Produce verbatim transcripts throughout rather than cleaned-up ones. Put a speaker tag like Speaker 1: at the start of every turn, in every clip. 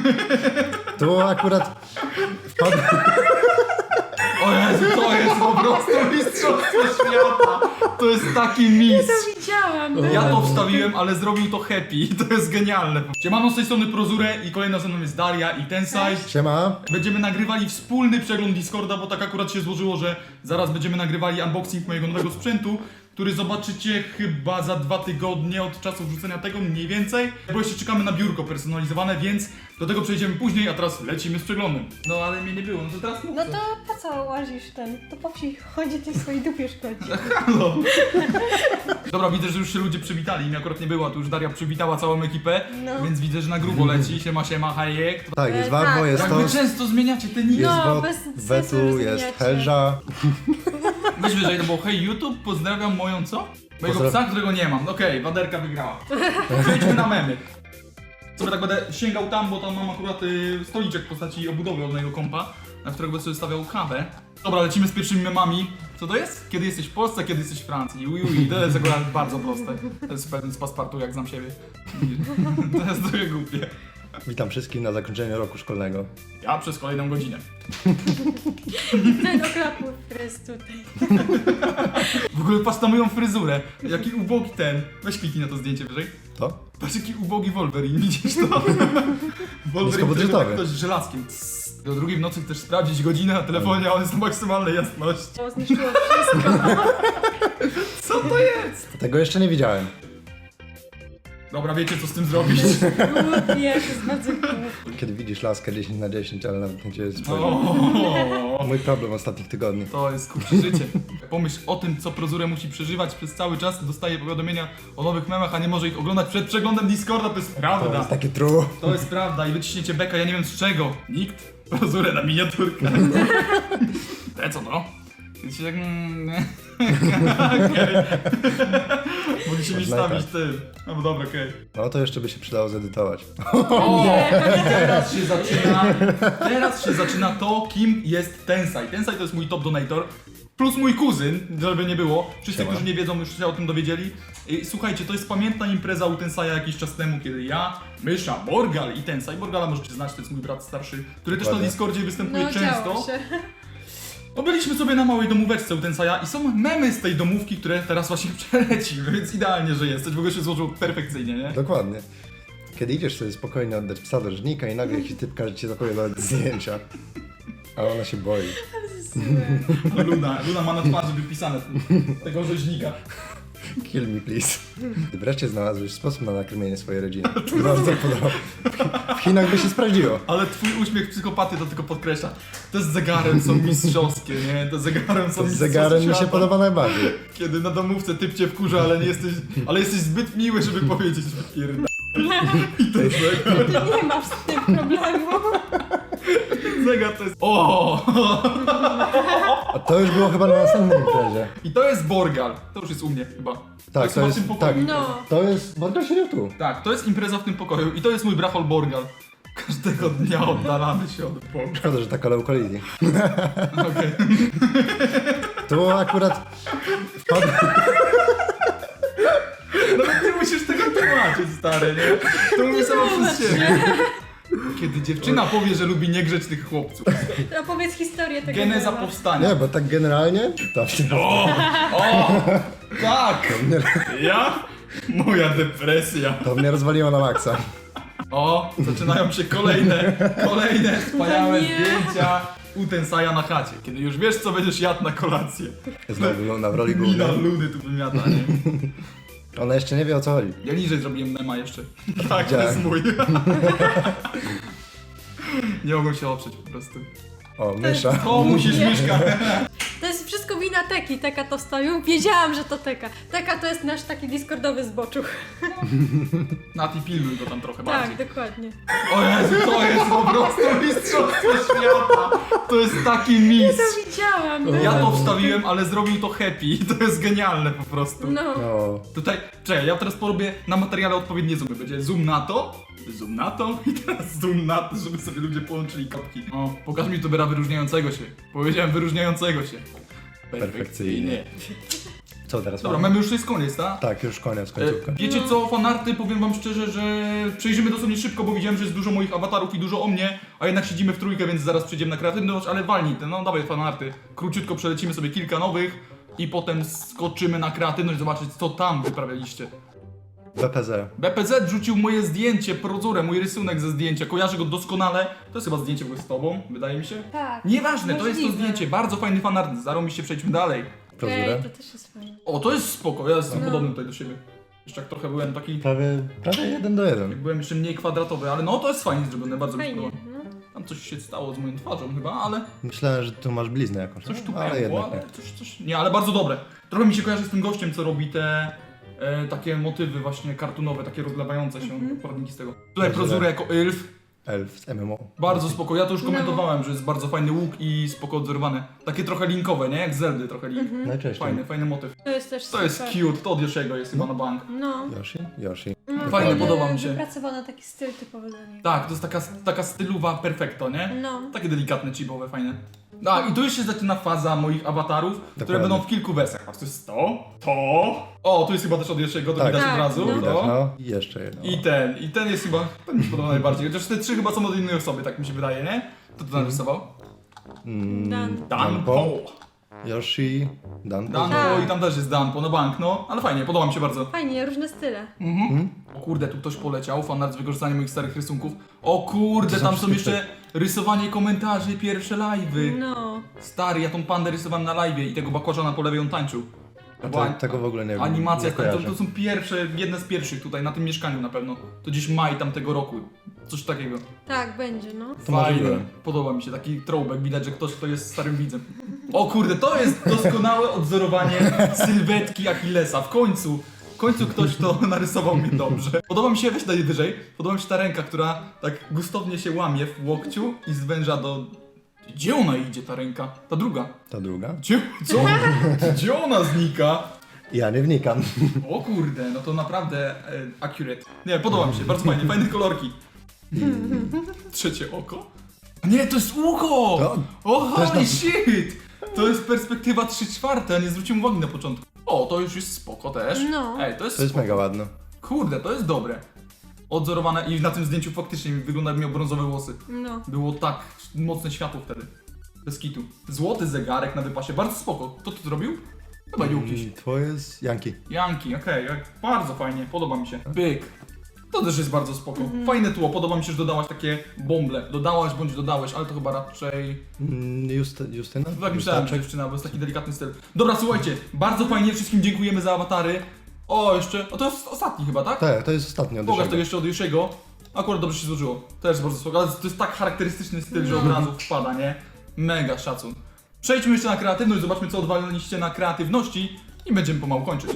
Speaker 1: Tu akurat wpadł...
Speaker 2: O Jezu, to jest po prostu mistrzostwo świata. To jest taki mistrz.
Speaker 3: To widziałam. No.
Speaker 2: Ja to wstawiłem, ale zrobił to Happy. To jest genialne. Siemano, z tej strony Prozure i kolejna ze mną jest Daria i Tensai.
Speaker 1: Siema.
Speaker 2: Będziemy nagrywali wspólny przegląd Discorda, bo tak akurat się złożyło, że zaraz będziemy nagrywali unboxing mojego nowego sprzętu, który zobaczycie chyba za dwa tygodnie od czasu wrzucenia tego, mniej więcej. Bo jeszcze czekamy na biurko personalizowane, więc do tego przejdziemy później, a teraz lecimy z przeglądem. No ale mnie nie było, no to teraz mów
Speaker 3: No
Speaker 2: coś.
Speaker 3: to po co łazisz ten? To po wsi chodzi, tej swojej dupie szkodzi.
Speaker 2: Halo. Dobra, widzę, że już się ludzie przywitali, mnie akurat nie było, tu już Daria przywitała całą ekipę,
Speaker 3: No.
Speaker 2: więc widzę, że na grubo leci. Siema, siema, hajek.
Speaker 1: Tak, jest
Speaker 3: E,
Speaker 1: Warmo,
Speaker 3: tak.
Speaker 1: jest
Speaker 2: Jak
Speaker 1: to...
Speaker 2: wy często zmieniacie te niki.
Speaker 1: Jest
Speaker 3: No,
Speaker 1: Wo-
Speaker 3: bez sensu,
Speaker 1: Wetu,
Speaker 3: że
Speaker 1: jest
Speaker 3: zmieniacie.
Speaker 1: Helża.
Speaker 2: Weź wyżej, to było hej YouTube, pozdrawiam moją co? Mojego
Speaker 1: Pozdraw-
Speaker 2: psa, którego nie mam. Okej, okay, Waderka wygrała. Przejdźmy na memy. Sobie tak będę sięgał tam, bo tam mam akurat y, stoliczek w postaci obudowy od mojego kompa, na którego będę sobie stawiał kawę. Dobra, lecimy z pierwszymi memami. Co to jest? Kiedy jesteś w Polsce, kiedy jesteś w Francji. Ui, ui, to jest akurat bardzo proste. To jest pewien z paspartu, jak znam siebie. To jest trochę głupie.
Speaker 1: Witam wszystkich na zakończeniu roku szkolnego.
Speaker 2: Ja przez kolejną godzinę.
Speaker 3: Ten akurat mój fryz tutaj.
Speaker 2: W ogóle patrz na moją fryzurę. Jaki ubogi ten. Weź kliknij na to zdjęcie wyżej.
Speaker 1: To?
Speaker 2: Patrz jaki ubogi Wolverine, widzisz to? Wolverine,
Speaker 1: Niskobudżetowy.
Speaker 2: którego tak ktoś żelazkiem. Tss. Do drugiej w nocy chcesz sprawdzić godzinę na telefonie, a on jest na maksymalnej jasności.
Speaker 3: To zniszczyło wszystko.
Speaker 2: Co to jest?
Speaker 1: Tego jeszcze nie widziałem.
Speaker 2: Dobra, wiecie co z tym zrobić?
Speaker 3: Głupie, to jest bardzo głupie.
Speaker 1: Kiedy widzisz laskę dziesięć na dziesięć, ale nawet nie cię spojrzeć.
Speaker 2: O,
Speaker 1: Mój problem ostatnich tygodni.
Speaker 2: to jest kurczę życie. Pomyśl o tym, co Prozure musi przeżywać przez cały czas. Dostaje powiadomienia o nowych memach, a nie może ich oglądać przed przeglądem Discorda. To jest
Speaker 1: To
Speaker 2: prawda.
Speaker 1: jest takie true.
Speaker 2: To jest prawda i wyciśniecie beka, ja nie wiem z czego. Nikt? Prozure na miniaturkę. Te co to? Kiedy się tak... mm, Okej. Mogliście mi
Speaker 1: Można
Speaker 2: stawić
Speaker 1: tak.
Speaker 2: tym. No bo dobra, okej.
Speaker 1: No to jeszcze by się przydało zedytować.
Speaker 2: O! I teraz się zaczyna... Teraz się zaczyna to, kim jest Tensai. Tensai to jest mój top donator. Plus mój kuzyn, żeby nie było. Wszyscy,
Speaker 1: Siema.
Speaker 2: którzy nie wiedzą, już się o tym dowiedzieli. I słuchajcie, to jest pamiętna impreza u Tensaja jakiś czas temu, kiedy ja, Mysza, Borgal i Tensai. Borgala możecie znać, to jest mój brat starszy, który też na
Speaker 1: Dokładnie.
Speaker 2: Discordzie występuje
Speaker 3: No,
Speaker 2: często.
Speaker 3: działo się.
Speaker 2: No byliśmy sobie na małej domóweczce u Tensaja i są memy z tej domówki, które teraz właśnie przelecimy, więc idealnie, że jesteś. W ogóle się złożyło perfekcyjnie, nie?
Speaker 1: Dokładnie. Kiedy idziesz sobie spokojnie oddać psa do rzeźnika i nagle jakiś typ każe ci zapowiadać zdjęcia. A ona się boi.
Speaker 3: Złe.
Speaker 2: Luna, Luna ma na twarzy wypisane tego rzeźnika.
Speaker 1: Kill me please. Gdy wreszcie znalazłeś sposób na nakarmienie swojej rodziny. Bardzo podoba. W Chinach by się sprawdziło.
Speaker 2: Ale twój uśmiech psychopaty to tylko podkreśla. Te z zegarem są mistrzowskie, nie? Te z zegarem są
Speaker 1: To z
Speaker 2: mistrzowskie
Speaker 1: zegarem mi się
Speaker 2: świata.
Speaker 1: podoba najbardziej.
Speaker 2: Kiedy na domówce typ cię wkurza, ale nie jesteś, ale jesteś zbyt miły, żeby powiedzieć pierda. I ten zegar,
Speaker 3: Ty nie masz z tym problemu.
Speaker 2: zegar to jest... O!
Speaker 1: A to już było chyba na następnej imprezie.
Speaker 2: I to jest Borgal. To już jest u mnie chyba.
Speaker 1: Tak, to
Speaker 2: chyba w
Speaker 1: jest,
Speaker 2: tym pokoju.
Speaker 1: tak.
Speaker 3: No.
Speaker 1: To jest, Borgal siedział tu.
Speaker 2: Tak, to jest impreza w tym pokoju i to jest mój brachol Borgal. Każdego dnia oddalamy się od Boga.
Speaker 1: Szkoda, że taka low quality.
Speaker 2: Okej.
Speaker 1: Tu akurat wpadł...
Speaker 2: Nawet nie musisz tego tłumaczyć, stary, nie? To mówię samo przez siebie. Kiedy dziewczyna powie, że lubi niegrzecznych chłopców.
Speaker 3: Opowiedz historię tego
Speaker 2: Geneza
Speaker 3: mema.
Speaker 2: powstania.
Speaker 1: Nie, bo tak generalnie... To
Speaker 2: O! O! Tak! Ja? Moja depresja.
Speaker 1: To mnie rozwaliło na maksa.
Speaker 2: O! Zaczynają się kolejne, kolejne wspaniałe
Speaker 3: No nie.
Speaker 2: zdjęcia u Tensaja na chacie. Kiedy już wiesz, co będziesz jadł na kolację.
Speaker 1: Znowu Luna w roli
Speaker 2: Mina
Speaker 1: głównej.
Speaker 2: Luny tu wymiata, nie?
Speaker 1: Ona jeszcze nie wie, o co chodzi.
Speaker 2: Ja niżej zrobiłem mema jeszcze. Tak, to
Speaker 1: Widziałem.
Speaker 2: jest mój. Nie mogą się oprzeć po prostu.
Speaker 1: O, mysza.
Speaker 2: O, musisz
Speaker 3: Nie.
Speaker 2: Miszka.
Speaker 3: To jest wszystko wina Teki. Teka to wstawił. Wiedziałam, że to Teka. Teka to jest nasz taki discordowy zboczuch.
Speaker 2: Nati, pilnuj go tam trochę bardziej.
Speaker 3: Tak, dokładnie.
Speaker 2: O Jezu, to jest po prostu mistrzostwo świata. To jest taki mistrz.
Speaker 3: To widziałam. No.
Speaker 2: Ja to wstawiłem, ale zrobił to Happy. To jest genialne po prostu.
Speaker 3: No.
Speaker 1: No.
Speaker 2: Tutaj, czekaj, ja teraz porobię na materiale odpowiednie zoomy. Będzie zoom na to, zoom na to i teraz zoom na to, żeby sobie ludzie połączyli kapki. O, pokaż mi youtubera wyróżniającego się. Powiedziałem wyróżniającego się.
Speaker 1: Perfekcyjnie. Co teraz
Speaker 2: Dobra,
Speaker 1: mamy?
Speaker 2: mamy już to jest koniec, tak?
Speaker 1: Tak, już koniec,
Speaker 2: E,
Speaker 1: końcówka.
Speaker 2: Wiecie co, fanarty, powiem wam szczerze, że przejrzymy dosłownie szybko, bo widziałem, że jest dużo moich awatarów i dużo o mnie, a jednak siedzimy w trójkę, więc zaraz przejdziemy na kreatywność, ale walnij te, no dawaj fanarty. Króciutko przelecimy sobie kilka nowych i potem skoczymy na kreatywność, zobaczyć co tam wyprawialiście.
Speaker 1: B P Z.
Speaker 2: B P Z rzucił moje zdjęcie, prozurę, mój rysunek ze zdjęcia, kojarzę go doskonale. To jest chyba zdjęcie w ogóle z tobą, wydaje mi się.
Speaker 3: Tak.
Speaker 2: Nieważne, to jest to
Speaker 3: Możliwe.
Speaker 2: zdjęcie, bardzo fajny fanart, zarobiście, przejdźmy dalej.
Speaker 1: Prozurę.
Speaker 3: Ej, to też jest fajne.
Speaker 2: O, to jest spoko, ja jestem
Speaker 3: No.
Speaker 2: podobny tutaj do siebie. Jeszcze jak trochę byłem taki,
Speaker 1: Prawie, prawie jeden do jeden.
Speaker 2: jak byłem jeszcze mniej kwadratowy, ale no to jest fajnie zrobione, bardzo mi się
Speaker 3: Fajnie,
Speaker 2: podoba.
Speaker 3: no.
Speaker 2: Tam coś się stało z moją twarzą chyba, ale
Speaker 1: Myślałem, że tu masz bliznę jakąś,
Speaker 2: coś tu
Speaker 1: no, ale
Speaker 2: pękło,
Speaker 1: jednak
Speaker 2: ale
Speaker 1: nie.
Speaker 2: coś, coś... Nie, ale bardzo dobre. Trochę mi się kojarzy z tym gościem, co robi te e, takie motywy właśnie kartunowe, takie rozlewające się,
Speaker 3: Mhm.
Speaker 2: poradniki z tego. Tutaj
Speaker 1: Dobrze.
Speaker 2: prozurę jako elf.
Speaker 1: Elf z M M O.
Speaker 2: Bardzo spoko, ja to już
Speaker 3: No.
Speaker 2: komentowałem, że jest bardzo fajny łuk i spoko odzorowane. Takie trochę linkowe, nie? Jak Zeldy trochę link.
Speaker 3: Mhm.
Speaker 1: Najczęściej.
Speaker 2: Fajny, fajny motyw.
Speaker 3: To jest też
Speaker 2: To
Speaker 3: super.
Speaker 2: jest cute, to od Yoshiego jest chyba na bank.
Speaker 3: No.
Speaker 1: Yoshi? Yoshi.
Speaker 3: no
Speaker 2: Fajne,
Speaker 1: Dokładnie.
Speaker 2: podoba mi się.
Speaker 3: Wypracowano taki styl typowy dla niego.
Speaker 2: Tak, to jest taka, taka stylowa perfekto, nie?
Speaker 3: No.
Speaker 2: Takie delikatne, chibowe, fajne. A, i tu już się zaczyna faza moich awatarów, które
Speaker 1: Dokładnie.
Speaker 2: będą w kilku wersjach. Patrz, to jest to, to. O, tu jest chyba też od Yoshiego, to
Speaker 1: Tak.
Speaker 2: widać
Speaker 3: Tak,
Speaker 2: od razu.
Speaker 3: no.
Speaker 1: Widać,
Speaker 2: To.
Speaker 1: no. I jeszcze jedno.
Speaker 2: I ten, i ten jest chyba, ten mi się podoba najbardziej. Chociaż te trzy chyba są od innej osoby, tak mi się wydaje, nie? To to narysował?
Speaker 1: Mm,
Speaker 3: Dan.
Speaker 2: Danpo.
Speaker 1: Yoshi, Danpo.
Speaker 2: Danpo
Speaker 3: Tak.
Speaker 2: i tam też jest Danpo, no bank, no. Ale fajnie, podoba mi się bardzo.
Speaker 3: Fajnie, różne style.
Speaker 2: Mhm. O kurde, tu ktoś poleciał, fanart z wykorzystaniem moich starych rysunków. O kurde,
Speaker 1: To są
Speaker 2: tam są
Speaker 1: wszystkie
Speaker 2: jeszcze rysowanie komentarzy, pierwsze live'y.
Speaker 3: No.
Speaker 2: Stary, ja tą pandę rysowałem na live'ie i tego bakłażana po lewej on tańczył.
Speaker 1: A
Speaker 2: Była
Speaker 1: to, tego w ogóle nie wiem.
Speaker 2: Animacja,
Speaker 1: nie
Speaker 2: to, to,
Speaker 1: kojarzę.
Speaker 2: to są pierwsze, jedne z pierwszych tutaj na tym mieszkaniu na pewno. To gdzieś maj tamtego roku. Coś takiego.
Speaker 3: Tak, będzie, no.
Speaker 1: To
Speaker 2: Fajnie.
Speaker 1: możliwe.
Speaker 2: Podoba mi się taki throwback, widać, że ktoś kto jest starym widzem. O kurde, to jest doskonałe odzorowanie sylwetki Achillesa. W końcu, w końcu ktoś to narysował mi dobrze. Podoba mi się, weź daj wyżej, podoba mi się ta ręka, która tak gustownie się łamie w łokciu i zwęża do... Gdzie ona idzie, ta ręka? Ta druga.
Speaker 1: Ta druga?
Speaker 2: Gdzie, co? Gdzie ona znika?
Speaker 1: Ja nie wnikam.
Speaker 2: O kurde, no to naprawdę e, accurate. Nie, podoba mi się, bardzo fajnie, fajne kolorki. Trzecie oko? Nie, to jest ucho!
Speaker 1: To-
Speaker 2: O
Speaker 1: też
Speaker 2: holy
Speaker 1: na-
Speaker 2: shit! To jest perspektywa trzy czwarte, a nie zwróciłem uwagi na początku. O, to już jest spoko też.
Speaker 3: No.
Speaker 2: Ej, to jest
Speaker 1: To jest
Speaker 2: spoko.
Speaker 1: mega ładne.
Speaker 2: Kurde, to jest dobre. Odzorowane i na tym zdjęciu faktycznie wygląda, jak miał brązowe włosy.
Speaker 3: No.
Speaker 2: Było tak mocne światło wtedy. Bez kitu. Złoty zegarek na wypasie, bardzo spoko. Kto to zrobił? Chyba Jukiś.
Speaker 1: Mm, Twoje jest Janki.
Speaker 2: Janki, okej, okay, bardzo fajnie, podoba mi się. Byk. To też jest bardzo spoko.
Speaker 3: Mhm.
Speaker 2: Fajne tło, podoba mi się, że dodałaś takie bąble. Dodałaś bądź dodałeś, ale to chyba raczej...
Speaker 1: Mm, Just, Justyna?
Speaker 2: Tak myślałem, że dziewczyna, bo jest taki delikatny styl. Dobra, słuchajcie, bardzo fajnie, wszystkim dziękujemy za awatary. O, jeszcze, o to jest ostatni chyba, tak?
Speaker 1: Tak, to jest ostatnio.
Speaker 2: Pokaż to jeszcze od Yoshiego. Akurat dobrze się złożyło. Też jest bardzo spoko, ale to jest tak charakterystyczny styl, że od razu wpada, nie? Mega szacun. Przejdźmy jeszcze na kreatywność, zobaczmy co odwaliliście na kreatywności i będziemy pomału kończyć.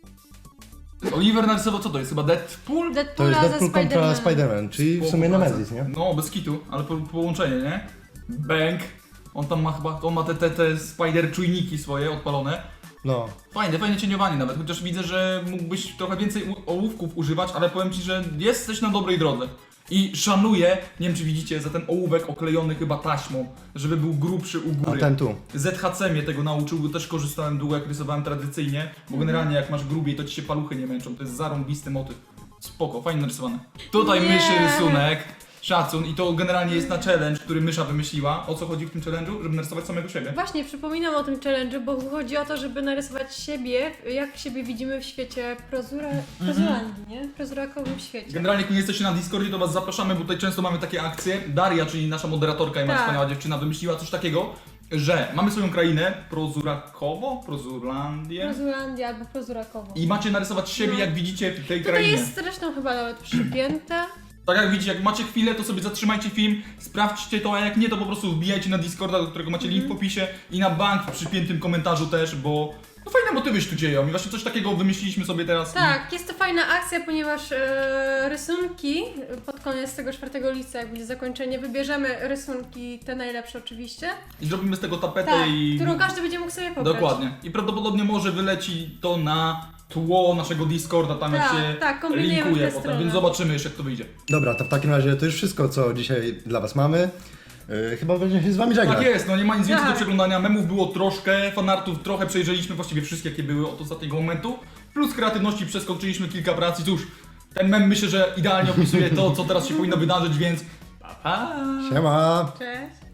Speaker 2: Oliver narysował, co to jest? Chyba Deadpool?
Speaker 1: To
Speaker 3: Deadpoola
Speaker 1: jest
Speaker 3: ze
Speaker 1: Deadpool kontra
Speaker 3: Spider-Manem.
Speaker 1: Spider-Man, czyli w
Speaker 2: Spoko
Speaker 1: sumie
Speaker 2: praca.
Speaker 1: Nemesis, nie?
Speaker 2: No, bez kitu, ale po, połączenie, nie? Bang. On tam ma chyba, on ma te, te, te spider czujniki swoje odpalone.
Speaker 1: No.
Speaker 2: Fajne, fajne cieniowanie nawet, chociaż widzę, że mógłbyś trochę więcej u- ołówków używać, ale powiem ci, że jesteś na dobrej drodze. I szanuję, nie wiem czy widzicie, za ten ołówek oklejony chyba taśmą, żeby był grubszy u
Speaker 1: A
Speaker 2: góry.
Speaker 1: ten tu.
Speaker 2: Z H C mnie tego nauczył, bo też korzystałem długo jak rysowałem tradycyjnie, bo generalnie jak masz grubiej, to ci się paluchy nie męczą, to jest zarąbisty motyw. Spoko, fajnie narysowane. Tutaj
Speaker 3: Nie.
Speaker 2: myszy rysunek, szacun i to generalnie jest na challenge, który mysza wymyśliła. O co chodzi w tym challenge'u? Żeby narysować samego siebie.
Speaker 3: Właśnie, przypominam o tym challenge'u, bo chodzi o to, żeby narysować siebie, jak siebie widzimy w świecie prozura... prozulandii, nie? Prozurakowym świecie.
Speaker 2: Generalnie jak nie jesteście na Discordzie, to was zapraszamy, bo tutaj często mamy takie akcje. Daria, czyli nasza moderatorka i moja
Speaker 3: Tak.
Speaker 2: wspaniała dziewczyna, wymyśliła coś takiego, że mamy swoją krainę, Prozurakowo, Prozurlandię
Speaker 3: Prozulandia albo prozurakowo.
Speaker 2: i macie narysować siebie,
Speaker 3: No.
Speaker 2: jak widzicie w tej
Speaker 3: Tutaj
Speaker 2: krainie.
Speaker 3: jest zresztą chyba nawet przypięte.
Speaker 2: Tak jak widzicie, jak macie chwilę, to sobie zatrzymajcie film, sprawdźcie to, a jak nie, to po prostu wbijajcie na Discorda, do którego macie link w opisie i na bank w przypiętym komentarzu też, bo no fajne motywy się tu dzieją i właśnie coś takiego wymyśliliśmy sobie teraz.
Speaker 3: Tak, jest to fajna akcja, ponieważ e, rysunki pod koniec tego czwartego lipca, jak będzie zakończenie, wybierzemy rysunki, te najlepsze oczywiście.
Speaker 2: I zrobimy z tego tapetę
Speaker 3: Tak,
Speaker 2: i...
Speaker 3: którą każdy będzie mógł sobie pobrać.
Speaker 2: Dokładnie. I prawdopodobnie może wyleci to na tło naszego Discorda, tam jak
Speaker 3: Tak,
Speaker 2: się
Speaker 3: tak, kombinujemy w
Speaker 2: linkuje
Speaker 3: tę
Speaker 2: potem,
Speaker 3: stronę.
Speaker 2: więc zobaczymy jeszcze jak to wyjdzie.
Speaker 1: Dobra, to w takim razie to już wszystko, co dzisiaj dla was mamy. Yy, chyba będzie się z wami żegnać.
Speaker 2: Tak jest, no nie ma nic więcej
Speaker 3: Tak.
Speaker 2: do przeglądania. Memów było troszkę, fanartów trochę przejrzeliśmy, właściwie wszystkie jakie były od ostatniego momentu. Plus kreatywności przeskoczyliśmy kilka prac i cóż, ten mem myślę, że idealnie opisuje to, co teraz się powinno wydarzyć, więc pa pa!
Speaker 1: Siema!
Speaker 3: Cześć.